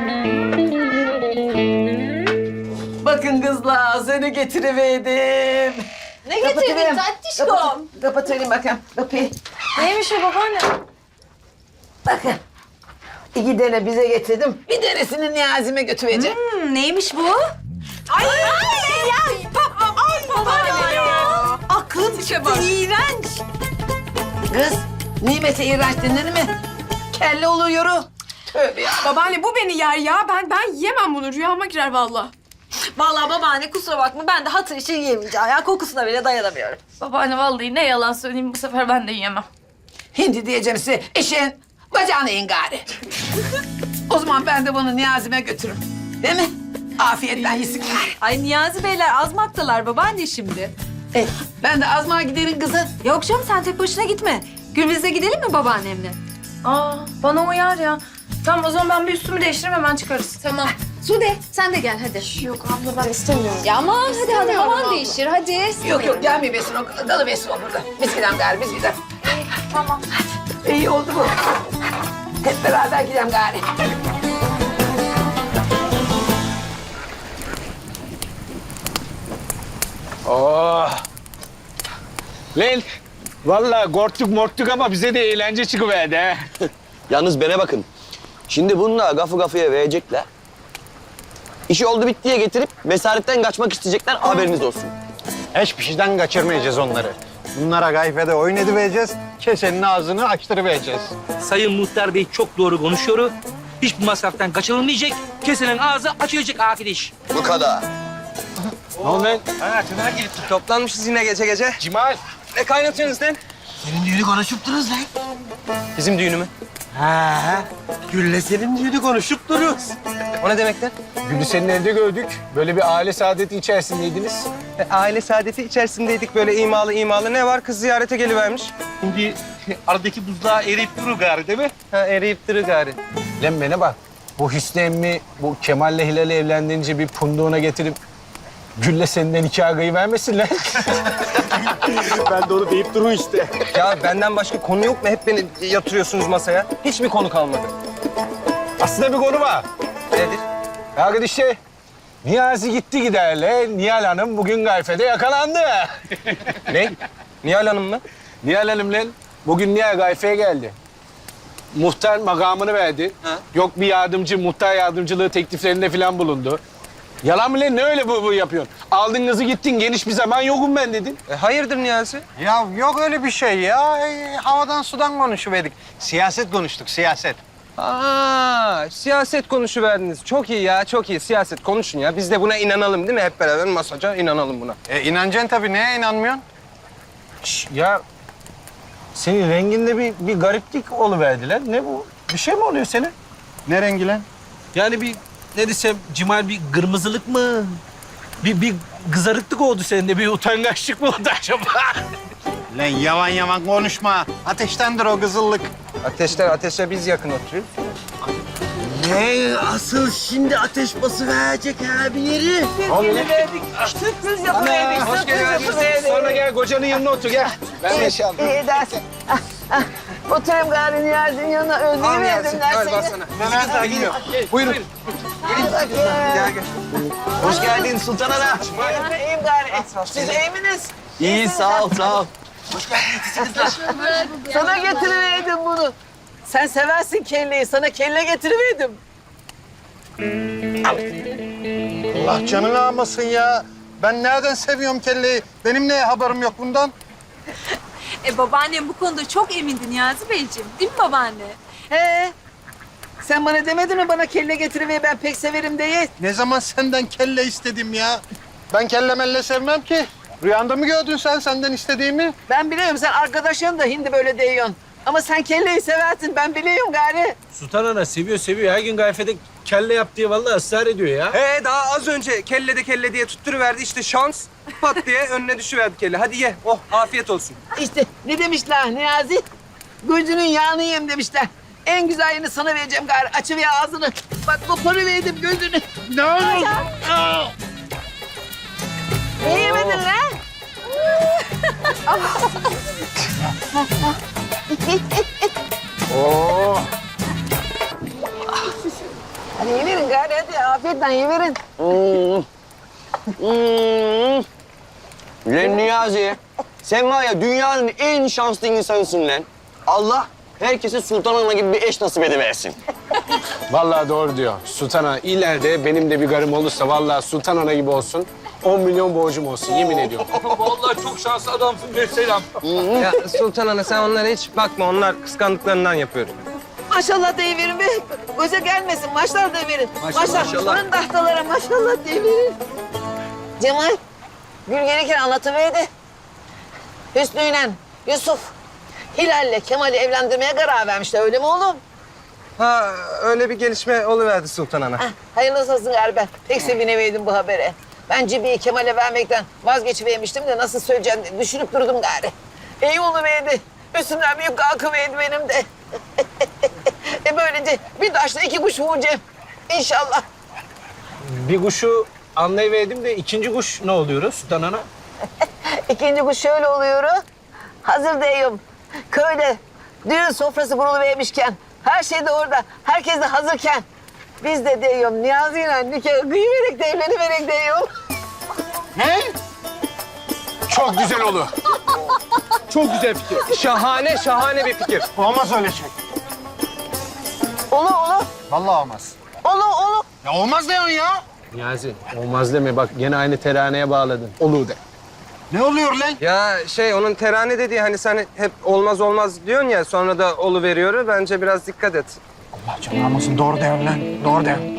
Bakın kızlar, seni getiriverdim. Ne getirdin tatlışkom? Kapatayım bakayım kapıyı. Neymiş o babaanne? Bakın. 2 tane bize getirdim. Bir tanesini Niyazi'me götüreceğim. Neymiş bu? Ay ya! Babaanne ya! Aklın çıktı, iğrenç. Kız, nimete iğrenç denir mi? Kelle oluyor. Tövbe ya. Babaanne bu beni yer ya. Ben yemem bunu. Rüyama girer vallahi. Vallahi babaanne kusura bakma ben de hatır için yemeyeceğim ya. Kokusuna bile dayanamıyorum. Babaanne vallahi ne yalan söyleyeyim bu sefer ben de yiyemem. Hindi diyeceğim size, eşeğin bacağını yiyin gari. O zaman ben de bunu Niyazi'me götürürüm. Değil mi? Afiyetten yesinler. Ay Niyazi beyler azmaktalar babaanne şimdi. Ben de azmağa giderim kızım. Yok canım sen tek başına gitme. Gürbüz'e gidelim mi babaannemle? Aa bana uyar ya. Tamam o zaman ben bir üstümü değiştireyim hemen çıkarız. Tamam. Sude sen de gel hadi. Yok abla ben istemiyorum. Ya aman hadi havan değişir hadi. Yok gelmiyor besin o, dalı besin o burada. Biz gidelim gari, biz gidelim. Tamam. İyi oldu bu. Hep beraber gidelim gari. Oh. Lan vallahi korktuk ama bize de eğlence çıkıverdi ha. Yalnız bana bakın. Şimdi bununla gafı gafıya verecekler. İşi oldu bittiye getirip mesaretten kaçmak isteyecekler, haberiniz olsun. Hiçbir şeyden kaçırmayacağız onları. Bunlara gayfede oyun edivereceğiz, kesenin ağzını açtırıvereceğiz. Sayın Muhtar Bey çok doğru konuşuyor. Hiçbir masraftan kaçınılmayacak. Kesenin ağzı açılacak arkadaş. Bu kadar. Ne oldu lan? Ha, tümer girip toplanmışız yine gece. Cimal. Ne kaynatıyorsunuz lan? Senin düğünü konuşup dururuz lan. Bizim düğünü mü? Ha, Gül'le senin düğünü konuşup dururuz. O ne demek lan? Gülü senin evde gördük. Böyle bir aile saadeti içerisindeydiniz. Aile saadeti içerisindeydik, böyle imalı. Ne var? Kız ziyarete gelivermiş. Şimdi aradaki buzdağı eriyip durur gari değil mi? Ha, eriyip durur gari. Lan bana bak. Bu Hüsnü emmi bu Kemal'le Hilal'i evlendirince bir punduğuna getirip Gül'le senden 2 agayı vermesin lan. Ben de onu deyip durun işte. Ya benden başka konu yok mu? Hep beni yatırıyorsunuz masaya. Hiç mi konu kalmadı? Aslında bir konu var. Nedir? Arkadaşlar Niyazi gitti giderle Nihal Hanım bugün gayfede yakalandı. Ne? Nihal Hanım mı? Nihal Hanım lan bugün Nihal gayfeye geldi. Muhtar makamını verdi. Ha? Yok bir yardımcı, muhtar yardımcılığı tekliflerinde falan bulundu. Yalan mı lan? Ne öyle bu yapıyorsun? Aldın kızı gittin, geniş bir zaman yokum ben dedin. Hayırdır Niyazi? Ya yok öyle bir şey ya. Havadan sudan konuşuverdik. Siyaset konuştuk, siyaset. Aa, siyaset konuşuverdiniz. Çok iyi ya, çok iyi. Siyaset konuşun ya. Biz de buna inanalım değil mi? Hep beraber masaca inanalım buna. İnanacaksın tabii. Neye inanmıyorsun? Ya senin renginde bir gariplik oluverdiler. Ne bu? Bir şey mi oluyor senin? Ne rengi lan? Yani bir ne desem Cimal bir kırmızılık mı? Bir kızarıklık oldu sende. Bir utangaçlık mı oldu acaba? Lan yavan konuşma. Ateştendir o kızıllık. Ateşe biz yakın oturuyoruz. Ne asıl şimdi ateş bası verecek ha bir yeri. Sürpriz yapıverdik. hoş geldiniz. Sonra gel kocanın yanına otur gel. Ben de şey İyi edersin. Oturayım gari Niyazi'nin yanına. Özleyiverdim ben seni. Buyurun. Gel. Hoş geldin Sultan Ana. İyiyim gari. Siz iyi misiniz? İyi, sağ ol. Sana getiriverdim bunu. Sen seversin kelleyi. Sana kelle getiriverdim. Allah canını almasın ya. Ben nereden seviyorum kelleyi? Benim ne haberim yok bundan? Babaannem bu konuda çok emindi Niyazi Beyciğim. Değil mi babaanne? He. Sen bana demedin mi bana kelle getiriver ben pek severim diye? Ne zaman senden kelle istedim ya? Ben kelle melle sevmem ki. Rüyanda mı gördün sen senden istediğimi? Ben biliyorum sen arkadaşın da hindi böyle diyorsun. Ama sen kelleyi seversin ben biliyorum gari. Sultan Ana seviyor. Her gün gayfede kelle yap diye vallahi ısrar ediyor ya. Daha az önce kelle diye tutturuverdi. İşte şans. Pat diye önüne düşüverdi kelle. Hadi ye. Oh, afiyet olsun. İşte ne demişler Niyazi? Gözünün yağını yem demişler. En güzel yerini sana vereceğim gari. Açıver ağzını. Bak koparıverdim gözünü. Ne olur? Ne yemedin lan? Oo. Hadi yiyiverin gari hadi. Afiyetle yiyiverin. Lan Niyazi, sen var ya dünyanın en şanslı insanısın lan. Allah herkese Sultan Ana gibi bir eş nasip ediversin. Vallahi doğru diyor. Sultan Ana ileride benim de bir karım olursa vallahi Sultan Ana gibi olsun. 10 milyon borcum olsun yemin ediyorum. Vallahi çok şanslı adamsın Selam. Ya Sultan Ana sen onlara hiç bakma. Onlar kıskandıklarından yapıyor. Maşallah deyiverin be. Göze gelmesin. Maşallah deyiverin. Maşallah. Fırın tahtalara maşallah deyiverin. Cemal, Gül gelirken anlatıverdi. Hüsnü'yle Yusuf, Hilal'le Kemal'i evlendirmeye karar vermişler. Öyle mi oğlum? Ha öyle bir gelişme oluverdi Sultan Ana. Heh, hayırlısı olsun gari ben. Pek sevinemedim bu habere. Ben Cibi'yi Kemal'e vermekten vazgeçivermiştim de nasıl söyleyeceğim diye düşünüp durdum gari. İyi oluverdi. Üstümden büyük kalkıverdi benim de. Böylece bir taşla iki kuş vuracağım. İnşallah. Bir kuşu anlayıverdim de ikinci kuş ne oluyor Sultan Ana? İkinci kuş şöyle oluyor. Hazır diyorum. Köyde düğün sofrası kuruluvermişken, her şey de orada, herkes de hazırken biz de diyorum Niyazi'yle nikah kıyıverek de evleniverek diyorum. Ne? Çok güzel olur. Çok güzel fikir. Şahane bir fikir. Olmaz öyle şey. Olur olur. Vallahi olmaz. Olur. Ya olmaz diyorsun ya. Niyazi olmaz deme bak gene aynı teraneye bağladın. Olur de. Ne oluyor lan? Ya onun terane dediği hani sen hep olmaz diyorsun ya sonra da oluveriyor. Bence biraz dikkat et. Allah canını almasın. Doğru diyorsun lan. Doğru diyorsun.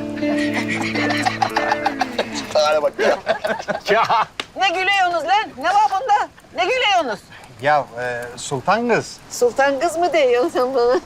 Hadi bak. Ya. Ne gülüyorsunuz lan? Ne var bunda? Ne gülüyorsunuz? Ya Sultan kız. Sultan kız mı diyorsun sen bana?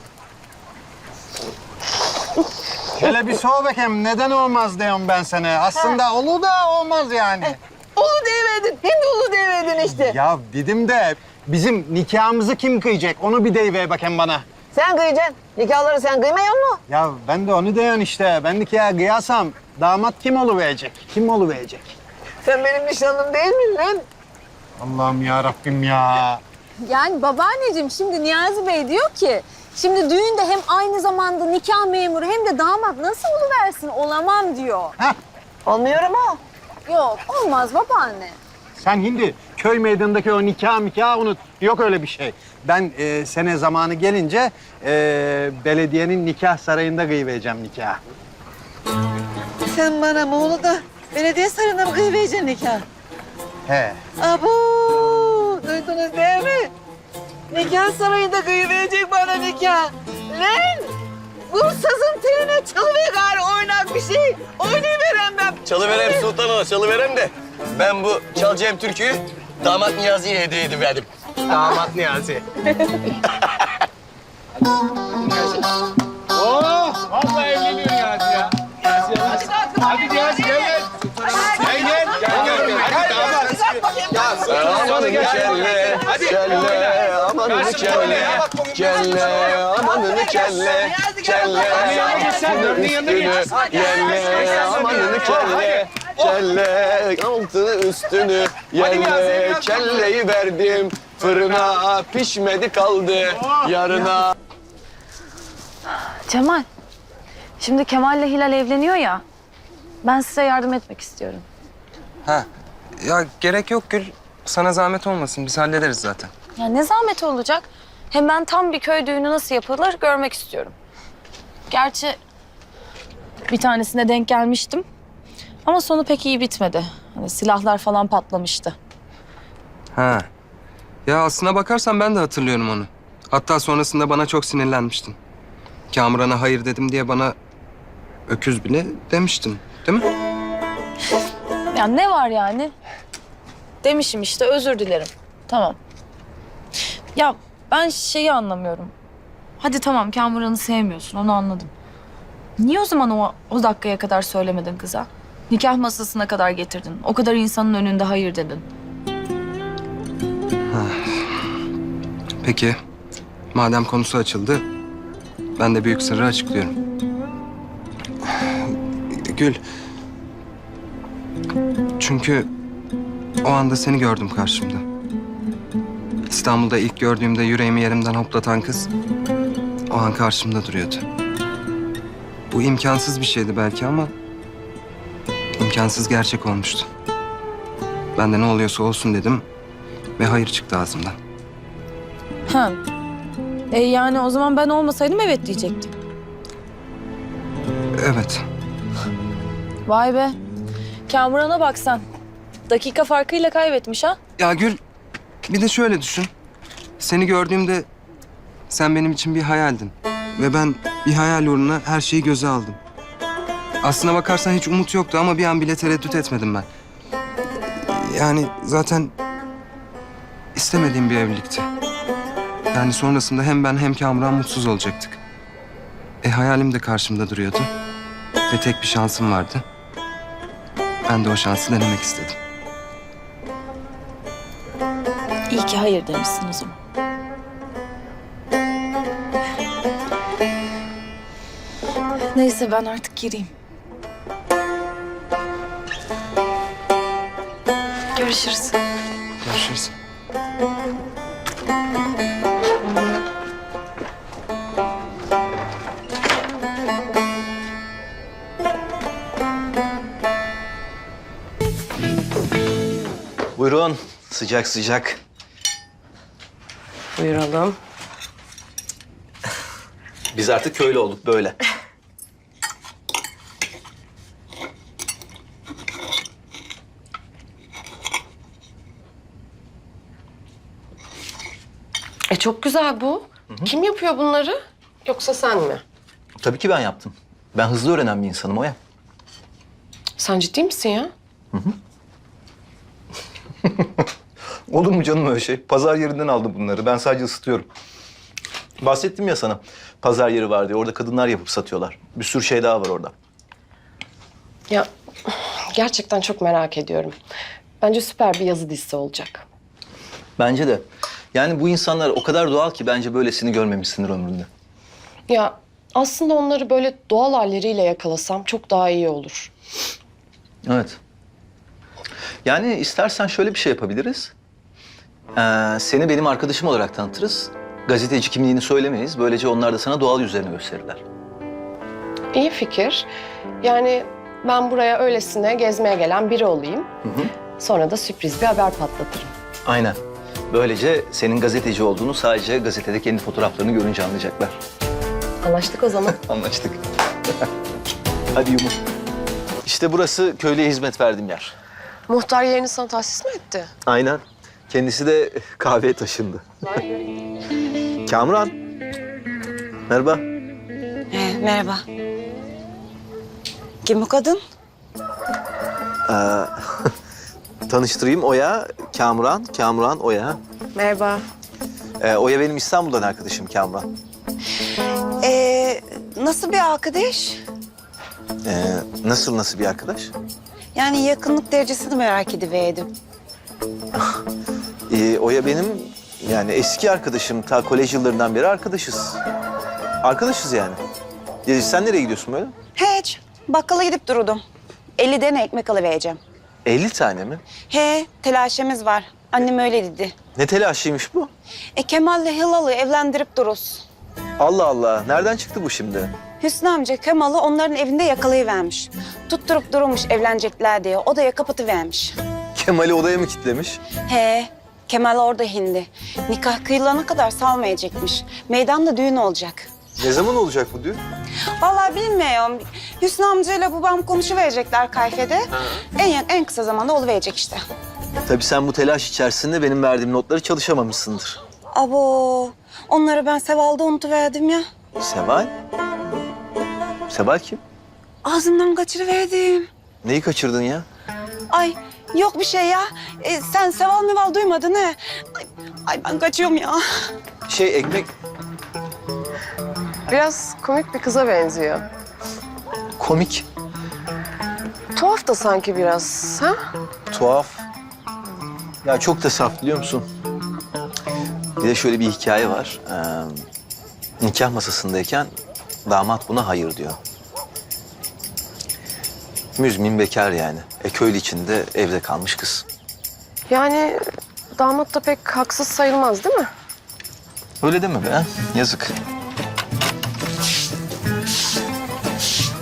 Hele bir sor bakayım neden olmaz diyorum ben sana. Aslında olur da olmaz yani. Ulu deyiverdin. Hindi ulu deyiverdin işte. Ya dedim de bizim nikahımızı kim kıyacak? Onu bir deyiver bakayım bana. Sen kıyacaksın. Nikahları sen kıymıyor mu? Ya ben de onu diyorum işte. Ben nikahı kıyarsam damat kim oluverecek? Kim oluverecek? Sen benim nişanlım değil mi lan? Allah'ım ya Rabbim ya. Yani babaanneciğim şimdi Niyazi Bey diyor ki şimdi düğünde hem aynı zamanda nikah memuru hem de damat nasıl oluversin olamam diyor. Olmuyor ama. Yok olmaz babaanne. Sen şimdi köy meydanındaki o nikah unut. Yok öyle bir şey. Ben sene zamanı gelince belediyenin nikah sarayında kıyıvereceğim nikahı. Sen bana Muğlu da belediye sarayında mı kıyıvereceksin nikah? He. Abo! Duydunuz değil mi? Nikah sarayında kıyıverecek bana nikah. Lan! Bu sazın teline çalıver gari oynak bir şey. Oynayıverem ben. Çalıverem Sultan Ana, çalıverem de. Ben bu çalacağım türküyü damat Niyazi'ye hediye ediverdim. Damat Niyazi. Oh! Vallahi evleniyor Niyazi ya. Hadi Niyazi gel. Gel. Hadi damat. Amanın kelle, kelle, amanın kelle, kelle, amanın kelle, kelle, üstünü, yelle, amanın kelle, kelle, altını üstünü, yelle, kelleyi verdim, fırına pişmedi kaldı, yarına. Cemal, şimdi Kemal'le Hilal evleniyor ya. Ben size yardım etmek istiyorum. Ha ya gerek yok Gül. Sana zahmet olmasın. Biz hallederiz zaten. Ya ne zahmet olacak? Hem ben tam bir köy düğünü nasıl yapılır görmek istiyorum. Gerçi bir tanesine denk gelmiştim. Ama sonu pek iyi bitmedi. Hani silahlar falan patlamıştı. Ha. Ya aslına bakarsan ben de hatırlıyorum onu. Hatta sonrasında bana çok sinirlenmiştin. Kamuran'a hayır dedim diye bana öküz bile demiştin. Değil mi? Ya ne var yani? Demişim işte özür dilerim. Tamam. Ya ben şeyi anlamıyorum. Hadi tamam Kamuran'ı sevmiyorsun onu anladım. Niye o zaman o dakikaya kadar söylemedin kıza? Nikah masasına kadar getirdin. O kadar insanın önünde hayır dedin. Peki. Madem konusu açıldı, ben de büyük sırrı açıklıyorum. Gül. Çünkü o anda seni gördüm karşımda. İstanbul'da ilk gördüğümde yüreğimi yerimden hoplatan kız o an karşımda duruyordu. Bu imkansız bir şeydi belki ama imkansız gerçek olmuştu. Ben de ne oluyorsa olsun dedim ve hayır çıktı ağzımdan. Ha. Yani o zaman ben olmasaydım evet diyecektim. Evet. Vay be. Kamuran'a bak sen. Dakika farkıyla kaybetmiş ha. Ya Gül, bir de şöyle düşün. Seni gördüğümde sen benim için bir hayaldin. Ve ben bir hayal uğruna her şeyi göze aldım. Aslına bakarsan hiç umut yoktu ama bir an bile tereddüt etmedim ben. Yani zaten istemediğim bir evlilikti. Yani sonrasında hem ben hem Kamuran mutsuz olacaktık. Hayalim de karşımda duruyordu. Ve tek bir şansım vardı. Ben de o şansı denemek istedim. İyi ki hayır demişsin o zaman. Neyse ben artık gireyim. Görüşürüz. Görüşürüz. Buyurun. Sıcak sıcak. Buyuralım. Biz artık köylü olduk böyle. Çok güzel bu. Kim yapıyor bunları? Yoksa sen mi? Tabii ki ben yaptım. Ben hızlı öğrenen bir insanım Oya. Sen ciddi misin ya? Olur mu canım öyle şey? Pazar yerinden aldım bunları. Ben sadece ısıtıyorum. Bahsettim ya sana. Pazar yeri var diye. Orada kadınlar yapıp satıyorlar. Bir sürü şey daha var orada. Ya gerçekten çok merak ediyorum. Bence süper bir yazı dizisi olacak. Bence de. Yani bu insanlar o kadar doğal ki bence böylesini görmemişsindir ömründe. Ya aslında onları böyle doğal halleriyle yakalasam çok daha iyi olur. Evet. Yani istersen şöyle bir şey yapabiliriz. Seni benim arkadaşım olarak tanıtırız. Gazeteci kimliğini söylemeyiz. Böylece onlar da sana doğal yüzlerini gösterirler. İyi fikir. Yani ben buraya öylesine gezmeye gelen biri olayım. Sonra da sürpriz bir haber patlatırım. Aynen. Böylece senin gazeteci olduğunu sadece gazetede kendi fotoğraflarını görünce anlayacaklar. Anlaştık o zaman. Anlaştık. Hadi Yumur. İşte burası köylüye hizmet verdiğim yer. Muhtar yerini sana tahsis mi etti? Aynen. Kendisi de kahveye taşındı. Kamuran. Merhaba. Merhaba. Kim bu kadın? Tanıştırayım Oya, Kamuran. Kamuran, Oya. Merhaba. Oya benim İstanbul'dan arkadaşım Kamuran. Nasıl bir arkadaş? Nasıl bir arkadaş? Yani yakınlık derecesini merak ediverdim. Oya benim yani eski arkadaşım. Ta kolej yıllarından beri arkadaşız. Arkadaşız yani. Sen nereye gidiyorsun böyle? Hiç. Bakkala gidip durudum. 50 tane ekmek alıvereceğim. 50 tane mi? He, telaşemiz var. Annem öyle dedi. Ne telaşıymış bu? Kemal'le Hilal'ı evlendirip duruz. Allah Allah. Nereden çıktı bu şimdi? Hüsnü amca Kemal'ı onların evinde yakalayıvermiş. Tutturup durmuş evlenecekler diye. Odaya kapatıvermiş. Kemal'i odaya mı kilitlemiş? He, Kemal orada hindi. Nikah kıyılana kadar salmayacakmış. Meydanda düğün olacak. Ne zaman olacak bu düğün? Vallahi bilmiyorum. Hüsnü amcayla babam konuşuverecekler kayfede. En kısa zamanda oluverecek işte. Tabii sen bu telaş içerisinde benim verdiğim notları çalışamamışsındır. Abo, onları ben Seval'da unutuverdim ya. Seval? Seval kim? Ağzımdan kaçırıverdim. Neyi kaçırdın ya? Ay, yok bir şey ya. Sen Seval meval duymadın he. Ay ben kaçıyorum ya. Ekmek Biraz komik bir kıza benziyor. komik, Tuhaf da sanki biraz. Ha? tuhaf. Ya çok da saf biliyor musun? Bir de şöyle bir hikaye var. Nikah masasındayken damat buna hayır diyor. Müzmin bekar yani. Köylü içinde evde kalmış kız. Yani damat da pek haksız sayılmaz değil mi? Öyle deme be. Yazık.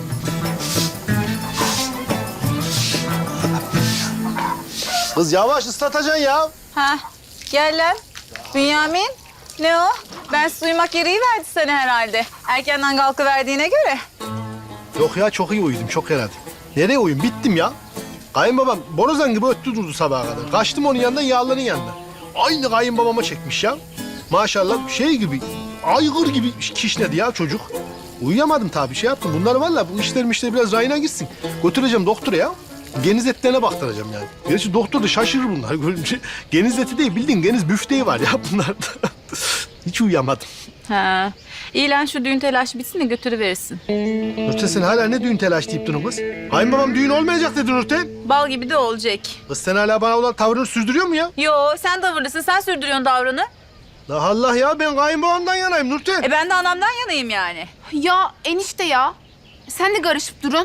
Kız yavaş ıslatacaksın ya. Ha, gel lan. Bünyamin, ne o? Ben uyumak gereği verdi sana herhalde. Erkenden kalkıverdiğine göre. Yok ya çok iyi uyudum çok herhalde. Nereye uyudum? Bittim ya. Kayınbabam borazan gibi öttü durdu sabaha kadar. Kaçtım onun yanından yağların yanına. Aynı kayınbabama çekmiş ya. Maşallah şey gibi, aygır gibi kişnedi ya çocuk. Uyuyamadım tabii şey yaptım. Bunlar vallahi bu işler biraz rayına gitsin. Götüreceğim doktora ya. Geniz etlerine baktıracağım yani. Gerçi doktor da şaşırır bunlar. Görünce geniz eti değil bildiğin geniz büfteği var ya bunlarda. Hiç uyuyamadım. Ha, iyi lan şu düğün telaşı bitsin de götürüverirsin. Nurten sen hala ne düğün telaş deyip durun kız? Kayınbabam düğün olmayacak dedi Nurten. Bal gibi de olacak. Kız sen hala bana olan tavrını sürdürüyor mu ya? Yo, sen tavırlısın, sen sürdürüyorsun tavrını. La Allah ya ben kayınbabamdan yanayım Nurten. Ben de anamdan yanayım yani. Ya enişte ya. Sen de karışıp durun.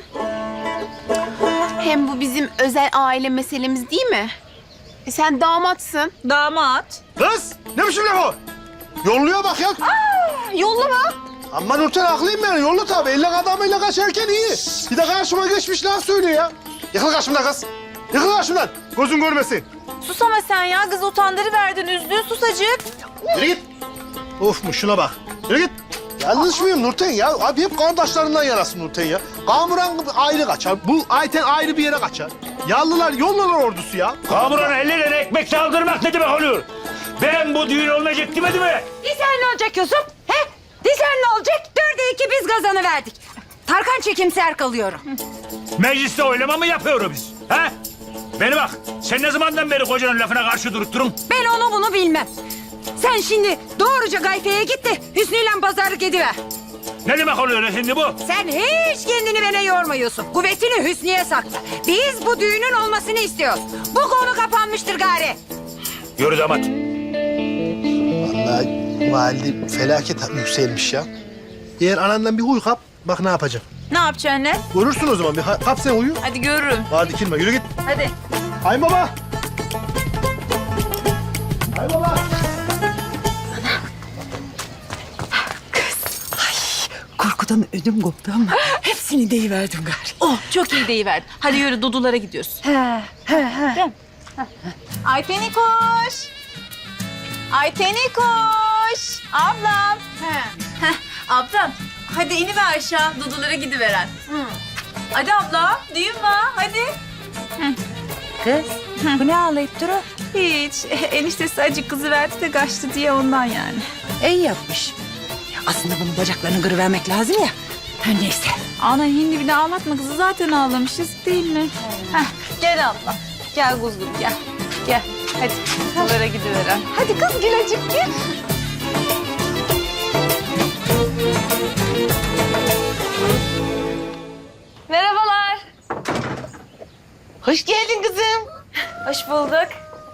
Hem bu bizim özel aile meselemiz değil mi? Sen damatsın. Damat. Kız ne biçim laf o? Yolluyor bak ya. Yollama. Ama Nurten haklıyım ben. Yollu tabii. Elle adamıyla kaçarken iyi. Bir de karşıma geçmiş laf söylüyor ya. Yıkıl karşımdan kız. Yıkıl karşımdan. Gözün görmesin. Sus ama sen ya, kız utandırıverdin, üzdün susacık. Yürü git. Of mu şuna bak. Yürü git. Yanlış mıyım Nurten ya? Abi hep kardeşlerinden yarasın Nurten ya. Kamuran ayrı kaçar. Bu Ayten ayrı bir yere kaçar. Yallılar yollular ordusu ya. Kamuran ellerine ekmek saldırmak ne demek oluyor? Ben bu düğün olmayacak demedim mi? Disen ne olacak Yusuf? He? Disen ne olacak? 4'e 2 biz kazanı verdik. Tarkan çekimser kalıyorum. Mecliste oylama mı yapıyoruz biz? Ha? Beni bak, sen ne zamandan beri kocanın lafına karşı durup durun? Ben onu bunu bilmem. Sen şimdi doğruca Gayfe'ye git de Hüsnü'yle pazarlık ediver. Ne demek oluyor şimdi bu? Sen hiç kendini bana yorma Yusuf. Kuvvetini Hüsnü'ye sakla. Biz bu düğünün olmasını istiyoruz. Bu konu kapanmıştır gari. Yürü damat. Vallahi valide felaket yükselmiş ya. Eğer anandan bir huy kap, bak ne yapacağım. Ne yapacaksın lan? Görürsün o zaman. Bir kap sen huyu. Hadi görürüm. Hadi dikilme, yürü git. Hadi. Kayınbaba. Kayınbaba. Korkudan ödüm koptu ama hepsini deyiverdim gari. Oh, çok iyi deyiverdin. Hadi yürü, Dudulara gidiyoruz. Ayteni koş. Ayteni koş. Ablam. Heh, ablam. Hadi iniver aşağı, Dudulara gidiveren. Hadi abla, düğün var, hadi. Kız, bu ne ağlayıp duru? Hiç. Eniştesi acık kızı verdi de kaçtı diye ondan yani. İyi yapmış. Ya aslında bunun bacaklarını kırıvermek lazım ya. Her neyse. Ana hindi bir de ağlatma kızı, zaten ağlamışız değil mi? Heh, gel abla. Gel kuzum gel. Gel. Hadi Dudulara gidiveren. Hadi kız Gülacık gel. Merhabalar. Hoş geldin kızım. Hoş bulduk.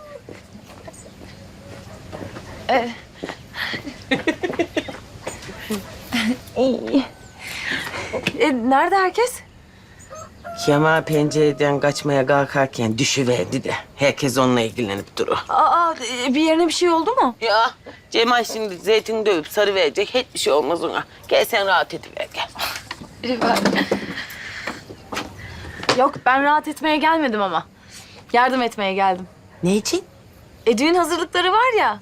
Nerede herkes? Kemal pencereden kaçmaya kalkarken düşüverdi de herkes onunla ilgilenip durur. Aa, bir yerine bir şey oldu mu? Ya Cemal şimdi zeytin dövüp sarı verecek. Hiçbir şey olmaz ona. Gel sen rahat ediver gel. Yok, ben rahat etmeye gelmedim ama. Yardım etmeye geldim. Ne için? Düğün hazırlıkları var ya.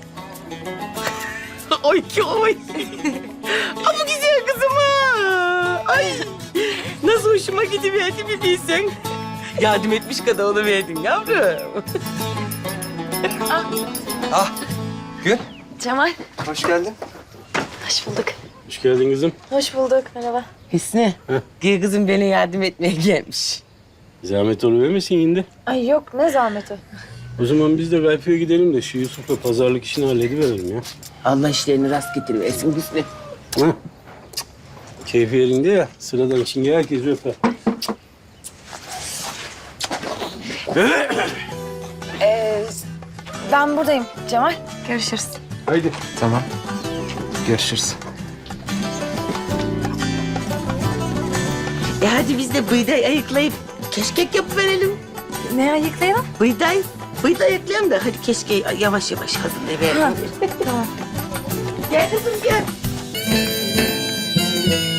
Oy ki oy. Ama güzel kızım ha. Ay nasıl hoşuma gidiverdi bir bilsen. Yardım etmiş kadar oluverdin yavrum. Ah, Gül. Cemal, Hoş geldin. hoş bulduk. Hoş geldin kızım. Hoş bulduk, merhaba. Hüsnü, gel kızım bana yardım etmeye gelmiş. Zahmet oluvermesin şimdi. Ay yok, ne zahmeti. O zaman biz de Gayfe'ye gidelim de şu Yusuf'la pazarlık işini hallediverelim ya. Allah işlerini rast getiriversin Hüsnü. Ha? Keyfi yerinde ya, sıradan çinge herkes öper. Ben buradayım Cemal. Görüşürüz. Haydi. Tamam. Görüşürüz. Hadi biz de bıyday ayıklayıp keşkek yapıverelim. Ne ayıklayalım? Bıyday ayıklayalım da hadi keşkeği yavaş yavaş hazırlayıverelim. Tamam. Gel kızım gel.